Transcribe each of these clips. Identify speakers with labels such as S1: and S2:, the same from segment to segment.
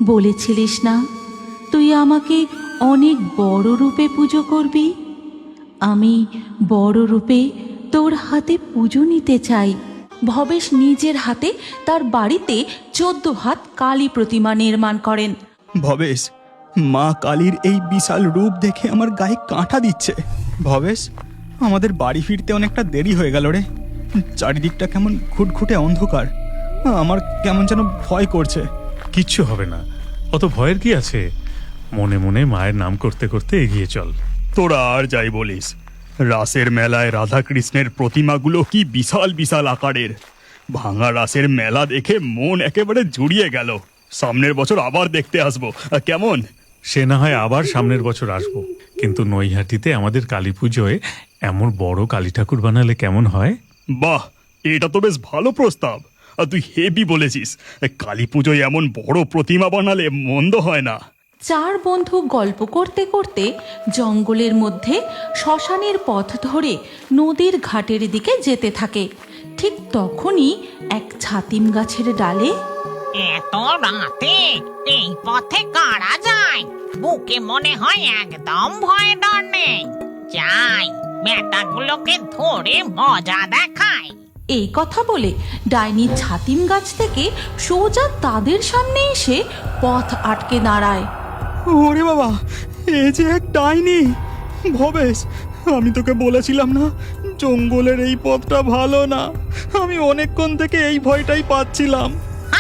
S1: বলেছিলিস না তুই আমাকে অনেক বড় রূপে পুজো করবি। আমি বড় রূপে তোর হাতে পুজো নিতে চাই। ভবেশ নিজের হাতে তার বাড়িতে 14 হাত কালী প্রতিমা নির্মাণ করেন।
S2: ভবেশ, মা কালীর এই বিশাল রূপ দেখে আমার গায়ে কাঁটা দিচ্ছে। ভবেশ, আমাদের বাড়ি ফিরতে অনেকটা দেরি হয়ে গেল রে। চারিদিকটা কেমন ঘুটঘুটে অন্ধকার, আমার কেমন যেন ভয় করছে।
S3: কিচ্ছু হবে না, অত ভয়ের কি আছে? মনে মনে মায়ের নাম করতে করতে এগিয়ে চল।
S2: তোরা আর যাই বলিস, রাসের মেলায় রাধাকৃষ্ণের প্রতিমাগুলো কি বিশাল বিশাল আকারের। ভাঙা রাসের মেলা দেখে মন একেবারে জুড়িয়ে গেল। সামনের বছর আবার দেখতে আসবো, কেমন?
S3: সে না হয় আবার সামনের বছর আসবো, কিন্তু নৈহাটিতে আমাদের কালী পুজোয় এমন বড় কালী ঠাকুর বানালে কেমন হয়?
S2: বাহ, এটা তো বেশ ভালো প্রস্তাব। আর তুই হেভি বলেছিস। কালী পুজোয় এমন বড় প্রতিমা বানালে মন্দ হয় না।
S1: 4 বন্ধু গল্প করতে করতে জঙ্গলের মধ্যে শ্মশানের পথ ধরে নদীর ঘাটের দিকে যেতে থাকে। ঠিক তখনই এক ছাতিম গাছের ডালে
S4: এত রাতে এই পথে কারা যায়? বুকে মনে হয় একদম ভয় ডর নেই। যাই, বেটাগুলোকে ধরে মজা দেখায়।
S1: এই কথা বলে ডাইনি ছাতিম গাছ থেকে সোজা তাদের সামনে এসে পথ আটকে দাঁড়ায়।
S2: ওরে বাবা, এ যে এক ডাইনি! ভবেশ, আমি তোকে বলেছিলাম না জঙ্গলের এই পথটা ভালো না। আমি অনেকক্ষণ থেকে এই ভয়টাই পাচ্ছিলাম।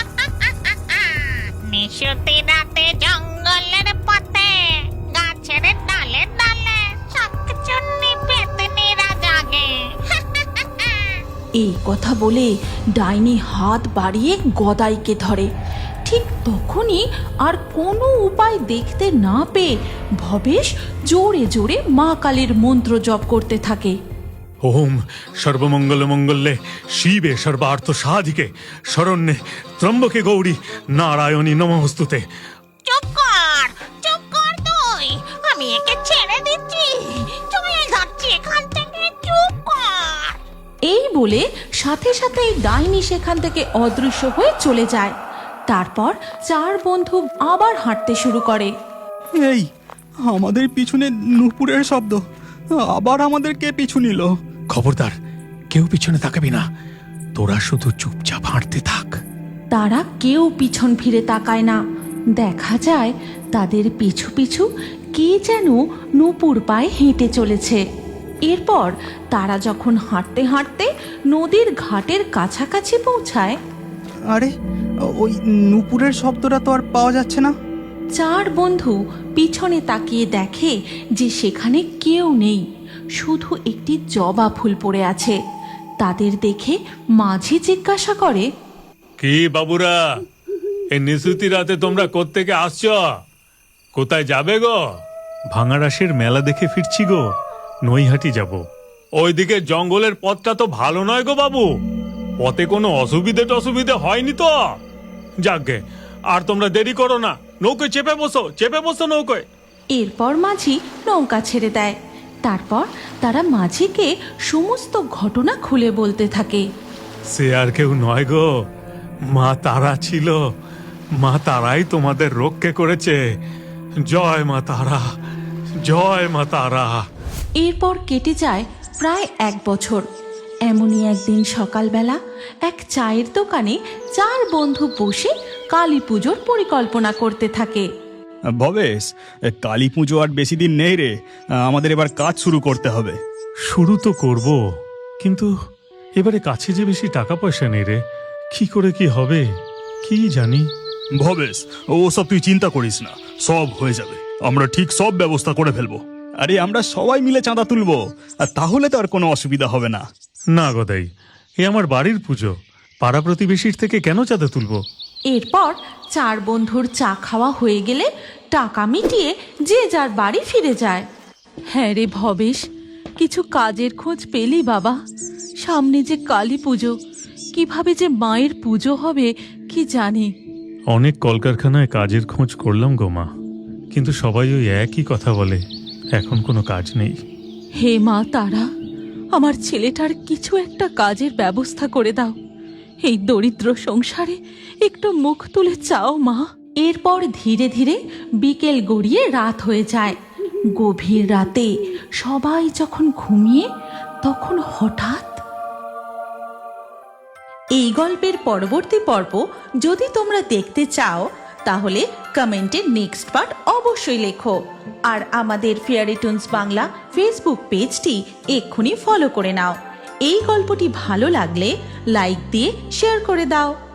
S4: নিশুতি রাতে জঙ্গলের পথে গাছের ডালে ডালে শাকচুন্নি পেতনিরা জাগে।
S1: এই কথা বলে ডাইনি হাত বাড়িয়ে গদাইকে ধরে। ঠিক তখনই আর কোনো উপায় দেখতে না পেয়ে ভবেশ জোরে জোরে মা কালীর মন্ত্র জপ করতে থাকে।
S3: ওম সর্বমঙ্গল মঙ্গলে শিবে সর্বার্থ সাধিকে শরণ্যে ত্রম্বকে গৌরী নারায়ণী নমস্তুতে।
S4: চুপ কর তুই, আমি একে ছেড়ে দিচ্ছি। চলে যাচ্ছি এখান থেকে, চুপ কর।
S1: এই বলে সাথে সাথেই ডাইনি সেখান থেকে অদৃশ্য হয়ে চলে যায়। তারপর 4 বন্ধু আবার হাঁটতে শুরু করে।
S2: এই, আমাদের পিছনে নূপুরের শব্দ। আবার আমাদের কে পিছু নিল?
S3: খবরদার, কেউ পিছনে তাকাবি না, তোরা শুধু চুপচাপ হাঁটতে থাক।
S1: তারা কেউ পিছন ফিরে তাকায় না। দেখা যায় তাদের পিছু পিছু কে যেন নূপুর পায়ে হেঁটে চলেছে। এরপর তারা যখন হাঁটতে হাঁটতে নদীর ঘাটের কাছাকাছি পৌঁছায়,
S2: আরে, ওই নূপুরের শব্দটা তো আর পাওয়া যাচ্ছে না।
S1: 4 বন্ধু পিছনে তাকিয়ে দেখে যে সেখানে কেউ নেই, শুধু একটি জবা ফুল পড়ে আছে। তাদের দেখে মাঝি জিজ্ঞাসা করে,
S3: কি বাবুরা, এই নিশুতি রাতে তোমরা কোত্থেকে আসছো? কোথায় যাবে গো? ভাঙা রাসের মেলা দেখে ফিরছি গো, নৈহাটি যাব। ওইদিকে জঙ্গলের পথটা তো ভালো নয় গো বাবু, পথে কোনো অসুবিধে হয়নি তো? যাকগে, আর তোমরা দেরি করো না, নৌকোয় চেপে বসো নৌকোয়।
S1: এরপর মাঝি নৌকা ছেড়ে দেয়। তারপর তারা মাঝিকে সমস্ত ঘটনা খুলে বলতে থাকে।
S3: সে আর কেউ নয় গো, মা তারা ছিল। মা তারাই তোমাদের রক্ষে করেছে। জয় মা তারা, জয় মা তারা।
S1: এরপর কেটে যায় প্রায় 1 বছর। এমনই একদিন সকালবেলা এক চায়ের দোকানে 4 বন্ধু বসে কালী পুজোর পরিকল্পনা করতে থাকে।
S2: ভবেশ, কালী পুজো আর বেশি দিন নেই রে। আমাদের এবার কাজ শুরু করতে হবে।
S3: শুরু তো করব, কিন্তু এবারে কাছে যে বেশি টাকা পয়সা নেই রে। কি করে কি হবে কি জানি।
S2: ভবেশ, ওসব তুই চিন্তা করিস না, সব হয়ে যাবে। আমরা ঠিক সব ব্যবস্থা করে ফেলবো। আরে, আমরা সবাই মিলে চাঁদা তুলবো, আর তাহলে তো আর কোনো অসুবিধা হবে না।
S3: না গদাই, এ আমার বাড়ির পুজো, পাড়া প্রতিবেশীর থেকে কেন চাঁদা তুলবো?
S1: এরপর 4 বন্ধুর চা খাওয়া হয়ে গেলে টাকা মিটিয়ে যে যার বাড়ি ফিরে যায়। হ্যাঁ রে ভবেশ, কিছু কাজের খোঁজ পেলি বাবা? সামনে যে কালী পুজো, কিভাবে যে মায়ের পুজো হবে কি জানি।
S3: অনেক কলকারখানায় কাজের খোঁজ করলাম গো মা, কিন্তু সবাই ওই একই কথা বলে, এখন কোনো কাজ নেই।
S1: হে মা তারা, আমার ছেলেটার কিছু একটা কাজের ব্যবস্থা করে দাও। এই দরিদ্র সংসারে একটু মুখ তুলে চাও মা। এরপর ধীরে ধীরে বিকেল গড়িয়ে রাত হয়ে যায়। গভীর রাতে সবাই যখন ঘুমিয়ে তখন হঠাৎ এই গল্পের পরবর্তী পর্ব যদি তোমরা দেখতে চাও তাহলে কমেন্টে নেক্সট পার্ট অবশ্যই লেখো। আর আমাদের ফেয়ারি টুনস বাংলা ফেসবুক পেজটি এক্ষুনি ফলো করে নাও। এই গল্পটি ভালো লাগলে লাইক দিয়ে শেয়ার করে দাও।